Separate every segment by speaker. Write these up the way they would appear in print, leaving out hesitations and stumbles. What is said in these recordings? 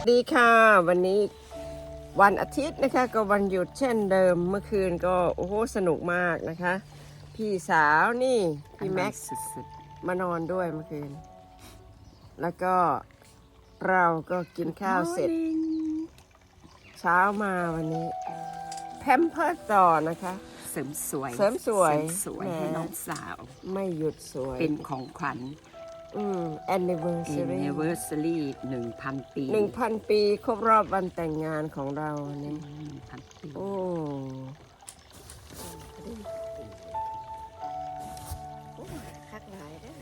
Speaker 1: ดีค่ะวันนี้วันอาทิตย์นะคะก็วันหยุดเช่นเดิมเมื่อคืนก็โอ้โหสนุกมากนะคะพี่สาวนี่พี่แม็กซ์สุดๆมานอนด้วยเมื่อคืนแล้วก็เราก็กินข้าวเสร็จเช้ามาวันนี้แพมเพิร์สต่อนะคะ
Speaker 2: เสริมสวยให้น้องสาว
Speaker 1: ไม่หยุดสวย
Speaker 2: เป็นของขวัญ
Speaker 1: anniversary
Speaker 2: 1,000 ปี
Speaker 1: 1,000 ปีครบรอบวันแต่งงานของเราเนี่ย
Speaker 2: 1,000 ปี
Speaker 1: โอ้คักหลายได้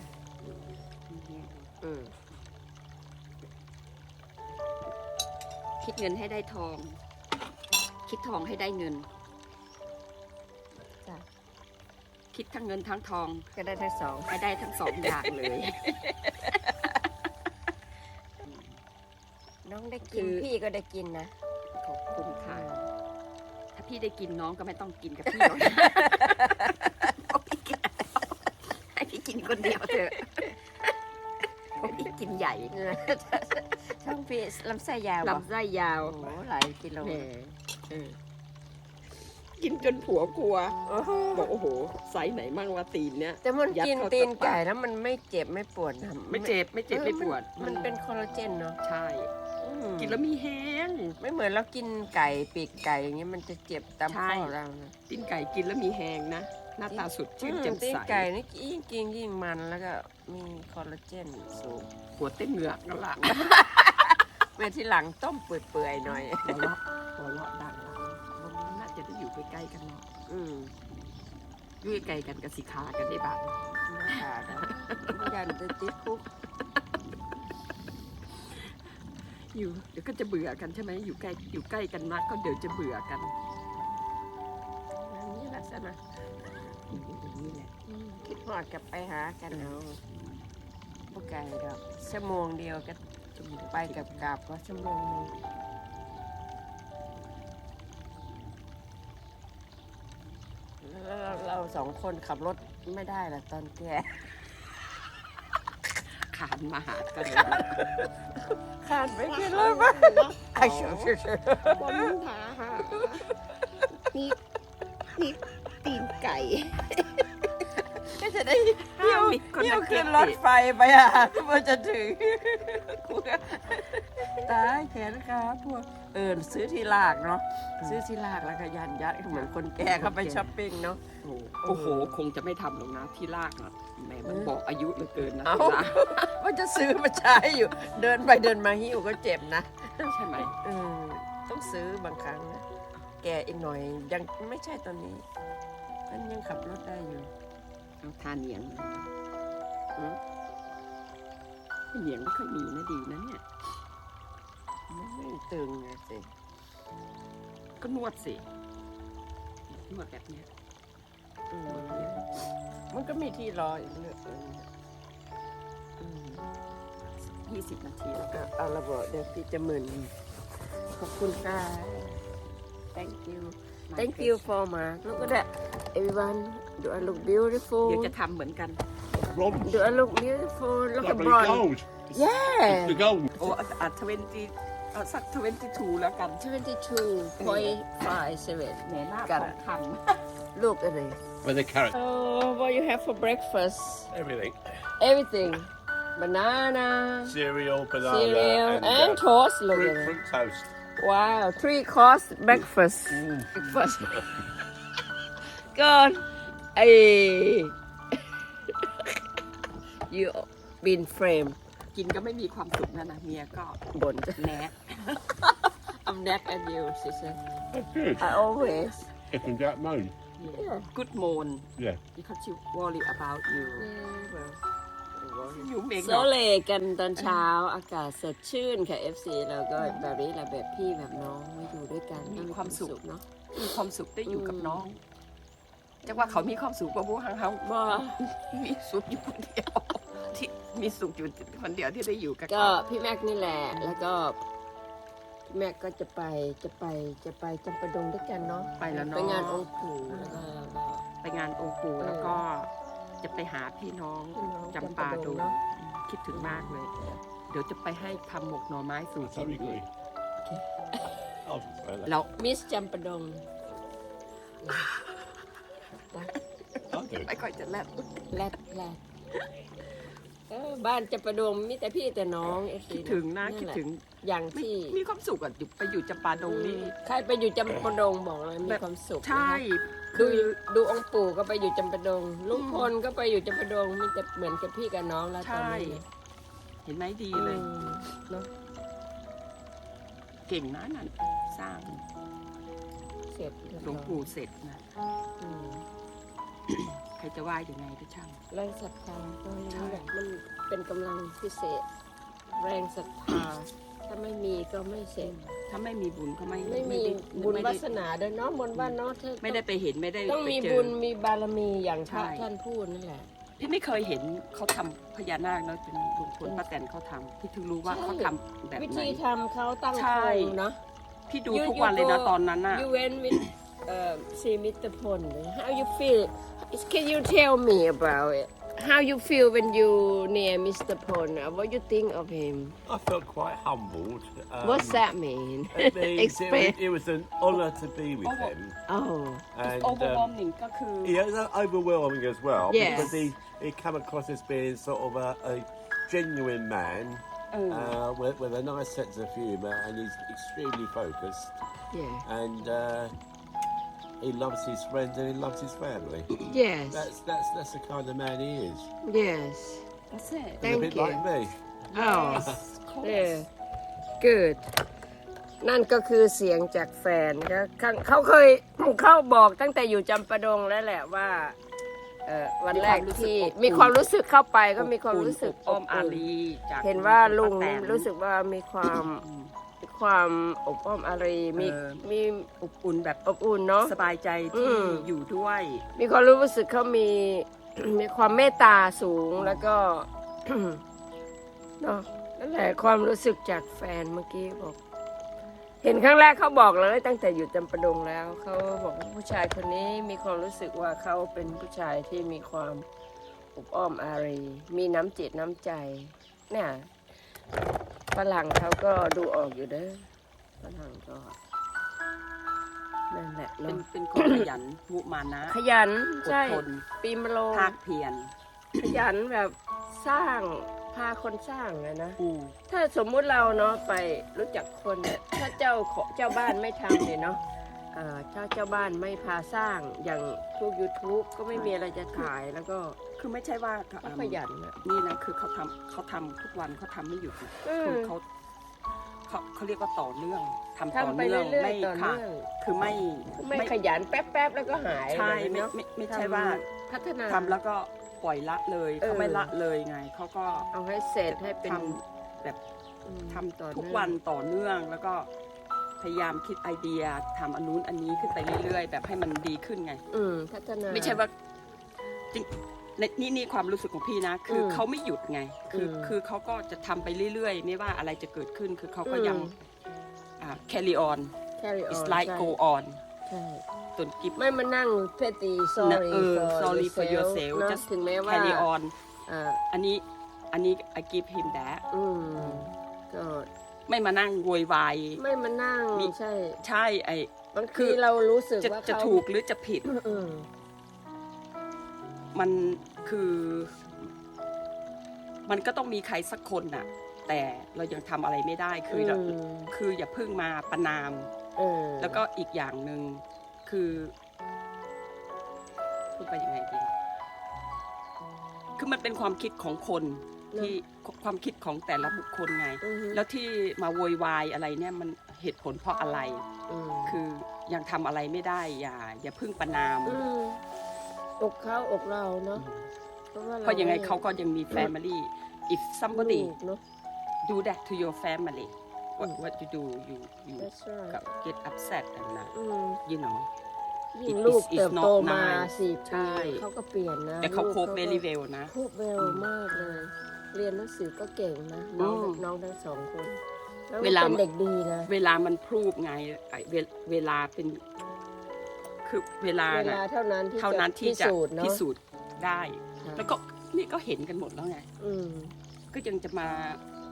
Speaker 2: คิดเงินให้ได้ทอง คิดทองให้ได้เงินคิดทั้งเงินทั้งทอง
Speaker 1: ก็ได้ทั้งสอง
Speaker 2: ให้ได้ทั้งสองอย่างเลย
Speaker 1: น้องได้กินพี่ก็ได้กินนะ
Speaker 2: ขอบคุณค่ะถ้าพี่ได้กินน้องก็ไม่ต้องกินกับพี่หรอกให้พี่กินคนเดียวเถอะพี่กินใหญ่
Speaker 1: ช่องพี่ลำไส้ยาว
Speaker 2: ลำไส้ยาว
Speaker 1: โอ้หลายกิโล
Speaker 2: กินจนผัวกลัวบอกโอ้โหไซส์ไหนมั่งว่าตีนเนี้ย
Speaker 1: แต่มันกินตีนไก่แล้วมันไม่เจ็บไม่ปวดนะ
Speaker 2: ไม่เจ็บไม่ปวด
Speaker 1: มันเป็นคอลลาเจนเนาะ
Speaker 2: ใช่กินแล้วมีแห้ง
Speaker 1: ไม่เหมือนเรากินไก่ปีกไก่อย่างเงี้ยมันจะเจ็บตามข้อเรานะ
Speaker 2: ตีนไก่กินแล้วมีแห้งนะหน้าตาสดชื่นแจ่มใส
Speaker 1: ตีนไก่นี่ยิ่งกินยิ่งมันแล้วก็มีคอลลาเจนสูง
Speaker 2: หัวเต้นเหงือกนั่นแหละ
Speaker 1: เมื่อที่หลังต้มเปื่อยๆหน่อย
Speaker 2: หัวเราะดังน่าจะได้อยู่ใกล้ๆกันเนาะอยู่ใกล้กันกับสิขากันได้บ้าง
Speaker 1: ขาดยันจะติดคุก
Speaker 2: อยู่เดี๋ยวก็จะเบื่อกันใช่ไหมอยู่ใกล้กันนักก็เดี๋ยวจะเบื่อกัน
Speaker 1: นี่ลักษณะ
Speaker 2: นี่แหละ
Speaker 1: คิดหอดกับไปหากันเอาพวกไก่ดอกชั่วโมงเดียวก็ไปกับกลับก็ชั่วโมงนึงเราสองคนขับรถไม่ได้ละตอนแก่
Speaker 2: ขานมาหากัน
Speaker 1: ขานไปกินเลยมั้ยไอ้เชื่อ
Speaker 2: บนหานี่ตีนไก่
Speaker 1: ก็จะได้เที่ยวขึ้นรถไฟไปอ่ะเมื่อจะถึงตายแขนขาพวกซื้อที่ลากเนาะซื้อที่ลากแล้วก็ยัดเหมือนคนแก่เข้าไปช้อปปิ้งเนาะ
Speaker 2: โอ้โหคงจะไม่ทำหรอกนะที่ลากนะแม่มันบอกอายุเหลือเกินนะ
Speaker 1: ว่าจะซื้อมาใช้อยู่เดินไปเดินมาหิ้วก็เจ็บนะ
Speaker 2: ใช่ไหม
Speaker 1: ต้องซื้อบางครั้งนะแก่อีกหน่อยยังไม่ใช่ตอนนี้มันยังขับรถได้อยู่
Speaker 2: ทานเหนียงเหนียงไม่ค่อยมีนะดีนะเนี่ย
Speaker 1: ไม่ตึงสิ
Speaker 2: ก็นวดสินวดแบบนี้
Speaker 1: มันก็มีที่รออีกเรื่อง
Speaker 2: 20 นาทีแล้วก็
Speaker 1: เอาระเบิดเดี๋ยวพี่จะมึนขอบคุณค่ะ thank you for my look at that everyone do I look beautiful
Speaker 2: เดี๋ยวจะทำเหมือนกัน
Speaker 1: do I look beautiful look at
Speaker 3: gold
Speaker 1: yeah
Speaker 3: the gold
Speaker 2: โอ้20สัก22แล้วกัน
Speaker 1: 22.57
Speaker 2: เนี่ยหน้าของท
Speaker 1: ำ look at it
Speaker 3: with the carrot
Speaker 1: what you have for breakfast
Speaker 3: everything
Speaker 1: banana
Speaker 3: cereal banana
Speaker 1: and toast look at
Speaker 3: fruit toast
Speaker 1: wow 3-course breakfast God you been framed
Speaker 2: กินก็ไม่มีความสุขนะเมียก็
Speaker 1: บ่น
Speaker 2: แนก
Speaker 1: I'm neck at you she said
Speaker 3: that's good
Speaker 1: I always
Speaker 3: if and Jack moan
Speaker 2: good moon
Speaker 3: yeah
Speaker 2: because she worry about you อยู่เมง
Speaker 1: โซเลกันตอนเช้าอากาศสดชื่นค่ะ FC เราก็แบบนี้แหละแบบพี่แบบน้องมาอยู่ด้วยกัน
Speaker 2: มีความสุข
Speaker 1: เนาะ
Speaker 2: มีความสุขได้อยู่กับน้องจังว่าเขามีความสุขกว่าพวกเขา
Speaker 1: บ่
Speaker 2: มีสุขอยู่คนเดียวที่มีสุขอยู่คนเดียวที่ได้อยู่กับ
Speaker 1: ก็พี่แม็กนี่แหละแล้วก็แม็กก็จะไปจำปาดงด้วยกันเนาะ
Speaker 2: ไปแล้วเนาะ
Speaker 1: ไปงานองค์ปู่แล้วก็
Speaker 2: ไปงานองค์ปู่แล้วก็จะไปหาพี่น้องจำปาดงคิดถึงมากเลยดี๋ยวจะไปให้ทำหมกหน่อไม้สูตร
Speaker 3: Sorry, agree. I'll just throw that.
Speaker 2: แล้ว
Speaker 1: มิสจำปะดง
Speaker 3: I'll do it.
Speaker 2: ไม่ค่อยจะแลบ
Speaker 1: แรดบ้านจำปะดงมีแต่พี่แต่น้อง
Speaker 2: คิดถึงนะคิดถึง
Speaker 1: อย่าง
Speaker 2: ไม่
Speaker 1: ที่
Speaker 2: มีความสุขอ่ะอยู่ไปอยู่จำปาดงนี่
Speaker 1: ใครไปอยู่จำปะดงบอกเลยมีความสุข
Speaker 2: ใช่
Speaker 1: นะคะดูองค์ปู่ก็ไปอยู่จำปะดงลุงพลก็ไปอยู่จำปะดงมีแต่เหมือนกับพี่กับน้องแล้วตอน
Speaker 2: ใช่
Speaker 1: นี้
Speaker 2: เห็นไหมดี
Speaker 1: อื
Speaker 2: เลย
Speaker 1: มเนาะ
Speaker 2: เก่งนะนั่นสร้าง
Speaker 1: เสร็จเรียบ
Speaker 2: หล
Speaker 1: ร้
Speaker 2: ว
Speaker 1: อง ย
Speaker 2: ปู่เสร็จนะ
Speaker 1: อืม
Speaker 2: ใครจะว่ายังไงก็ช่าง
Speaker 1: แรงศรัทธาก็อย่าง
Speaker 2: ใช่
Speaker 1: นี้แหละมันเป็นกำลังพิเศษ แรงศรัทธาถ้าไม่มีก็ไม่เสร็จ
Speaker 2: ถ้าไม่มีบุญก็ไม่
Speaker 1: ไม่มี
Speaker 2: ด้
Speaker 1: บุญ
Speaker 2: ไม่
Speaker 1: วา
Speaker 2: ได้
Speaker 1: สนาด้วยเนาะบนว่าเนาะเธอ
Speaker 2: ไม่ได้ไปเห็นไม่ได้
Speaker 1: ต้อง
Speaker 2: ไป
Speaker 1: มี
Speaker 2: เจ
Speaker 1: บุ
Speaker 2: อ
Speaker 1: ญมีบารมีอย่างพระ
Speaker 2: ใช่
Speaker 1: ท่านพูดนั่นแหละ
Speaker 2: พี่ไม่เคยเห็นเขาทำพญานาคเนาะจนลุงพลป้าแตนเขาทำพี่ถึงรู้ว่า
Speaker 1: ใช่
Speaker 2: เขาทำแบบ
Speaker 1: วิ
Speaker 2: ไหน
Speaker 1: ธีทำเขาตั้ง
Speaker 2: ใช่
Speaker 1: โครงเนาะ
Speaker 2: พี่ดูทุกวันเลยนะตอนนั้นน่ะ
Speaker 1: You went with see Mr. Pon how you feel can you tell me about it how you feel when you near Mr. Pon what you think of him
Speaker 3: I felt quite humbled.
Speaker 1: what's that mean
Speaker 3: It means
Speaker 1: explain
Speaker 3: it was an honour to be with
Speaker 2: Oh,
Speaker 3: him.
Speaker 1: oh
Speaker 3: And
Speaker 2: overwhelming ก็คือ
Speaker 3: yeah, it was overwhelming as well
Speaker 1: Yes.
Speaker 3: because he come across as being sort of a genuine man with a nice sense of humour, and he's extremely focused.
Speaker 1: yeah
Speaker 3: And he loves his friends and he loves his family.
Speaker 1: yes
Speaker 3: That's the kind of man he is.
Speaker 1: yes
Speaker 2: That's it
Speaker 3: He's
Speaker 1: Thank
Speaker 3: a bit
Speaker 1: you.
Speaker 3: like me.
Speaker 1: oh
Speaker 2: Yes, of course.
Speaker 1: yeah good นั่นก็คือเสียงจากแฟนก็เขาเคย เขาบอกตั้งแต่อยู่จำปาดงแล้วแหละว่าวันแรกที่มีความรู้สึกเข้าไปก็มีความรู้สึก
Speaker 2: อ้อมอารีจาก
Speaker 1: เห็นว่าลุง
Speaker 2: ป้าแตน
Speaker 1: รู้สึกว่ามีความอบอ้อมอารีมี มี
Speaker 2: อบอุ่นแบบ
Speaker 1: อบอุ่นเนาะ
Speaker 2: สบายใจ
Speaker 1: อื
Speaker 2: ที่
Speaker 1: ม
Speaker 2: อยู่ด้วย
Speaker 1: มีความรู้สึกเขามี มีความเมตตาสูงแล้วก็ เนาะนั่นแหละความรู้สึกจากแฟนเมื่อกี้บอก เห็นครั้งแรกเขาบอกเลยตั้งแต่อยู่จำปาดงแล้วเขาบอกว่าผู้ชายคนนี้มีความรู้สึกว่าเขาเป็นผู้ชายที่มีความอบอ้อมอารีมีน้ำจิตน้ำใจเนี่ยฝรั่งเขาก็ดูออกอยู่เด้อฝรั่งก็นั่นแหละ
Speaker 2: เป็น
Speaker 1: เนาะ
Speaker 2: เป็นคนขยันมุมานะ
Speaker 1: ขยัน
Speaker 2: อด
Speaker 1: ใช่
Speaker 2: ทน
Speaker 1: ปีมะโรง
Speaker 2: ภาคเพียร
Speaker 1: ขยันแบบสร้างพาคนสร้างอะนะ
Speaker 2: อืม
Speaker 1: ถ้าสมมุติเราเนาะไปรู้จักคนเนี่ยถ้าเจ้าบ้านไม่ทำเนี่ยเนาะถ้าเจ้าบ้านไม่พาสร้างอย่างพวก YouTube ก็ไม่มีอะไรจะถ่ายแล้วก็
Speaker 2: คือไม่ใช่ว่า
Speaker 1: เขาขยันอะ
Speaker 2: นี่นะคือเขาทำทุกวันเขาทำไม่หยุดนะ
Speaker 1: อืม
Speaker 2: คือเขาเรียกว่าต่อเนื่องทำต่อ
Speaker 1: ทำไป
Speaker 2: เนื่อง
Speaker 1: เรื่อย
Speaker 2: ไม่
Speaker 1: ๆต่อ
Speaker 2: ค่ะ
Speaker 1: เนื่อง
Speaker 2: คือไม่
Speaker 1: ไม่ขยันแป๊บๆแล้วก็หาย
Speaker 2: ใช่
Speaker 1: แบบนี้
Speaker 2: ไม่
Speaker 1: เนาะ
Speaker 2: ไม่ใช่ว่า
Speaker 1: พัฒนา
Speaker 2: ทำแล้วก็ปล่อยละเลยเขาไม่ละเลยไงเขาก็
Speaker 1: เอาให้เสร็จให้เป็น
Speaker 2: ทำแบบ ทำ
Speaker 1: ต่อ
Speaker 2: ทุก
Speaker 1: เนื่อง
Speaker 2: วันต่อเนื่องแล้วก็พยายามคิดไอเดียทำอันนู้นอันนี้ขึ้นไปเรื่อยๆ แบบให้มันดีขึ้นไง
Speaker 1: พัฒนา
Speaker 2: ไม่ใช่ว่าจริงนี่ความรู้สึกของพี่นะ คือเขาไม่หยุดไง คือเขาก็จะทำไปเรื่อยๆ ไม่ว่าอะไรจะเกิดขึ้น คือเขาก็ยังcarry on
Speaker 1: carry on
Speaker 2: it's like
Speaker 1: ใช่
Speaker 2: go on
Speaker 1: ใช่
Speaker 2: จนกิฟ
Speaker 1: ไม่มานั่งเพตี sorry
Speaker 2: sorry for yourself
Speaker 1: เนอะ
Speaker 2: just
Speaker 1: ถึงแม้ว่า
Speaker 2: carry on
Speaker 1: อ่า
Speaker 2: อันนี้ I give him that
Speaker 1: ก็
Speaker 2: ไม่มานั่งโวยวาย
Speaker 1: ไม่มานั่ง
Speaker 2: มี
Speaker 1: ใช่
Speaker 2: ใช่ไอบ
Speaker 1: าง
Speaker 2: คื
Speaker 1: ที
Speaker 2: อ
Speaker 1: เรารู้สึก
Speaker 2: จะ
Speaker 1: ว่า
Speaker 2: จะ
Speaker 1: เขา
Speaker 2: ถูกหรือจะผิด
Speaker 1: อืม
Speaker 2: มันคือมันก็ต้องมีใครสักคนน่ะ แต่เรายังทำอะไรไม่ได้คือเราคืออย่าเพิ่งมาประนาม แล้วก็อีกอย่างหนึ่งคือพูดไปยังไงดีคือมันเป็นความคิดของคนที่ความคิดของแต่ละบุคคลไง แล้วที่มาโวยวายอะไรเนี่ยมันเหตุผลเพราะอะไร คือยังทำอะไรไม่ได้อย่าเพิ่งประนาม
Speaker 1: อกเขาอกเราเนาะ
Speaker 2: เพราะยังไงเขาก็ยังมี family if somebody
Speaker 1: ลูกเนอะ
Speaker 2: do that to your family what you do you
Speaker 1: That's right.
Speaker 2: get upset and
Speaker 1: อืม
Speaker 2: you know
Speaker 1: ยิ่ง
Speaker 2: It
Speaker 1: ลูก
Speaker 2: is
Speaker 1: เติบโต
Speaker 2: not
Speaker 1: มา
Speaker 2: nice
Speaker 1: 4
Speaker 2: ใช่
Speaker 1: ปีเขาก็เปลี่ยนนะ
Speaker 2: แต่เขาโค
Speaker 1: ลู
Speaker 2: บ
Speaker 1: ก
Speaker 2: very well นะ
Speaker 1: โคบเวลมากเลย เรียนหนังสือก็เก่งนะน้องทั้งสองคนแล้วเป็นเด็กดีนะ
Speaker 2: เวลามันพรูฟไงเวลาเป็นคือเวลา
Speaker 1: เวลาเท่านั้นที่จะ
Speaker 2: จะ
Speaker 1: พิสูจน์เนาะ
Speaker 2: พิสูจน์ได้
Speaker 1: ค่ะ
Speaker 2: แล้วก็นี่ก็เห็นกันหมดแล้วไง
Speaker 1: อืม
Speaker 2: ก็ยังจะมา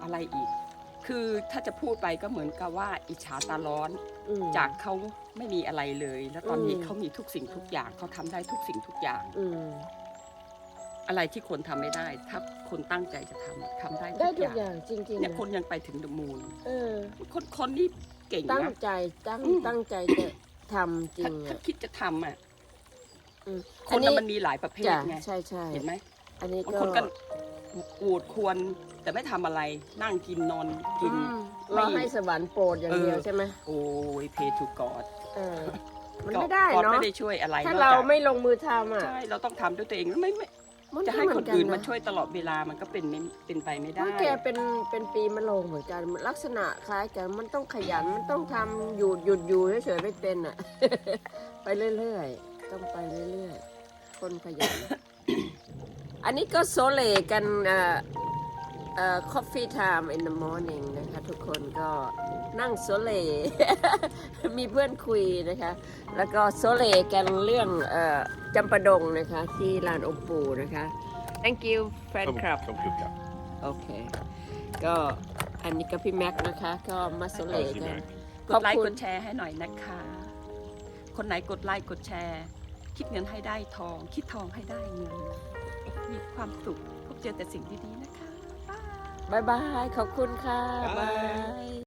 Speaker 2: อะไรอีก คือถ้าจะพูดไปก็เหมือนกับว่าอิจฉาตาร้อน
Speaker 1: อืม
Speaker 2: จากเขาไม่มีอะไรเลย แล้วตอนนี้
Speaker 1: อืม
Speaker 2: เขามีทุกสิ่งทุกอย่างเขาทำได้ทุกสิ่งทุกอย่าง
Speaker 1: อืม
Speaker 2: อะไรที่คนทำไม่ได้ ถ้าคนตั้งใจจะทำได้
Speaker 1: ได้
Speaker 2: ทุ
Speaker 1: ทุ
Speaker 2: ก
Speaker 1: ก
Speaker 2: อ
Speaker 1: อย่าง ย่างจริงๆ
Speaker 2: เนี่ย
Speaker 1: นะ
Speaker 2: คนยังไปถึงเดอะมูน
Speaker 1: เออ
Speaker 2: คนนี่เก่ง
Speaker 1: ตั้ง
Speaker 2: นะ
Speaker 1: ใจ
Speaker 2: อืม
Speaker 1: ตั้งใจจะทำจริ
Speaker 2: ถ้าง ถ้า
Speaker 1: อ่ะ
Speaker 2: คิดจะทำอ่ะ
Speaker 1: อืม
Speaker 2: ค
Speaker 1: อั
Speaker 2: น
Speaker 1: นนี้
Speaker 2: น่ะมันมีหลายประเภท
Speaker 1: จ้ะ
Speaker 2: ไง
Speaker 1: ใช่ใช่
Speaker 2: เห็นไหม
Speaker 1: อันนี้
Speaker 2: บาง
Speaker 1: ก็
Speaker 2: คนก็โอดควรแต่ไม่ทำอะไรนั่งกินนอนกิน
Speaker 1: อืม
Speaker 2: ไม่
Speaker 1: รอให้สวรรค์โปรดอย่างเดียว
Speaker 2: เออ
Speaker 1: ใช่ไหม
Speaker 2: โอ้ยเพทูกอด
Speaker 1: เออ มันไม่ได้
Speaker 2: กอด
Speaker 1: เนาะ
Speaker 2: ไม่ได้ช่วยอะไร
Speaker 1: ถ้าน
Speaker 2: อก
Speaker 1: เรา
Speaker 2: จาก
Speaker 1: ไม่ลงมือทำอ่ะ
Speaker 2: ใช่เราต้องทำด้วยตัวเองไม่
Speaker 1: มัน
Speaker 2: จะ
Speaker 1: ก็
Speaker 2: ให้
Speaker 1: เห
Speaker 2: ค
Speaker 1: มือน นกัน
Speaker 2: อื่นมา
Speaker 1: นะ
Speaker 2: ช่วยตลอดเวลามันก็เป็นไปไม่
Speaker 1: เพ
Speaker 2: ได้
Speaker 1: ราะแกเป็นปีมะโรงเหมือนกันลักษณะคล้ายกันมันต้องขยันมันต้องทำหยุดอยู่เฉยๆไม่เป็นอ่ะ ไปเรื่อยๆต้องไปเรื่อยๆคนขยัน อันนี้ก็โซเลกันcoffee time in the morning นะคะทุกคนก็นั่งโซเล มีเพื่อนคุยนะคะ แล้วก็โซเลกันเรื่องจำปาดงนะคะ ที่ลานองค์ปู่นะคะ thank you fan club
Speaker 3: Come good cup.
Speaker 1: โอเค ก็อันนี้ก็พี่แม็กซ์นะคะ ก็มาโซเลกัน
Speaker 2: กดไลค์กดแชร์ให้หน่อยนะคะ คนไหนกดไลค์กดแชร์ คิดเงินให้ได้ทอง คิดทองให้ได้เงิน มีความสุขพบเจอแต่สิ่งดีๆนะคะ
Speaker 1: บ๊ายบาย ขอบคุณค่ะ
Speaker 3: Bye
Speaker 1: บาย